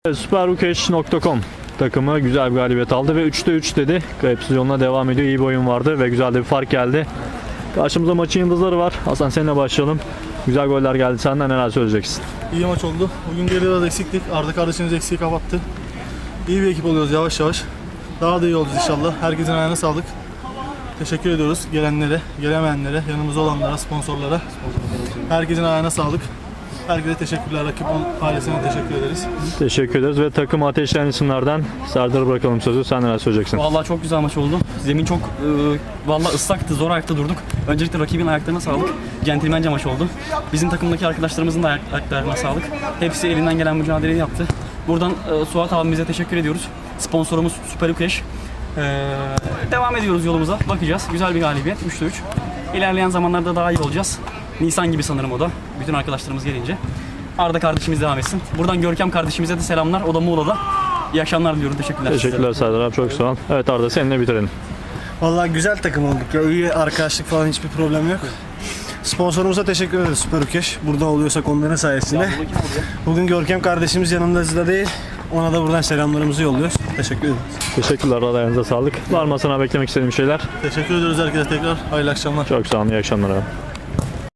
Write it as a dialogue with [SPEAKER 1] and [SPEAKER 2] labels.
[SPEAKER 1] Superukeş.com takımı güzel bir galibiyet aldı ve 3'te 3 dedi. Kayıpsız yoluna devam ediyor. İyi bir oyun vardı ve güzel de bir fark geldi. Karşımızda maçın yıldızları var. Hasan, seninle başlayalım. Güzel goller geldi. Senden neler söyleyeceksin?
[SPEAKER 2] İyi maç oldu. Bugün geri biraz eksiktik. Arda kardeşimiz eksiği kapattı. İyi bir ekip oluyoruz yavaş yavaş. Daha da iyi olacağız inşallah. Herkesin ayağına sağlık. Teşekkür ediyoruz gelenlere, gelemeyenlere, yanımızda olanlara, sponsorlara. Herkesin ayağına sağlık. Herkese teşekkürler. Rakip ailesine teşekkür ederiz.
[SPEAKER 1] Teşekkür ederiz ve takımı ateşleyen isimlerden Serdar'a bırakalım sözü. Sen neler söyleyeceksin?
[SPEAKER 3] Vallahi çok güzel maç oldu. Zemin çok vallahi ıslaktı, zor ayakta durduk. Öncelikle rakibin ayaklarına sağlık. Centilmence maç oldu. Bizim takımdaki arkadaşlarımızın da ayaklarına sağlık. Hepsi elinden gelen mücadeleyi yaptı. Buradan Suat abimize teşekkür ediyoruz. Sponsorumuz Superukeş. Devam ediyoruz yolumuza. Bakacağız. Güzel bir galibiyet. 3'te 3. İlerleyen zamanlarda daha iyi olacağız. Nisan gibi sanırım o da. Bütün arkadaşlarımız gelince. Arda kardeşimiz devam etsin. Buradan Görkem kardeşimize de selamlar. O da Muğla'da. İyi akşamlar diliyorum. Teşekkürler.
[SPEAKER 1] Teşekkürler Serdar abi, çok sağ ol. Evet Arda, seninle bitirelim.
[SPEAKER 2] Vallahi güzel takım olduk ya. İyi arkadaşlık falan, hiçbir problem yok. Sponsorumuza teşekkür ederiz, Superukeş. Burada oluyorsak onların sayesinde. Bugün Görkem kardeşimiz yanımızda değil. Ona da buradan selamlarımızı yolluyoruz. Teşekkür ederiz.
[SPEAKER 1] Teşekkürler Arda, ayağınıza sağlık. Var mı sana beklemek istediğim şeyler?
[SPEAKER 2] Teşekkür ediyoruz herkese tekrar. Hayırlı akşamlar.
[SPEAKER 1] Çok sağ olun, iyi akşamlar abi.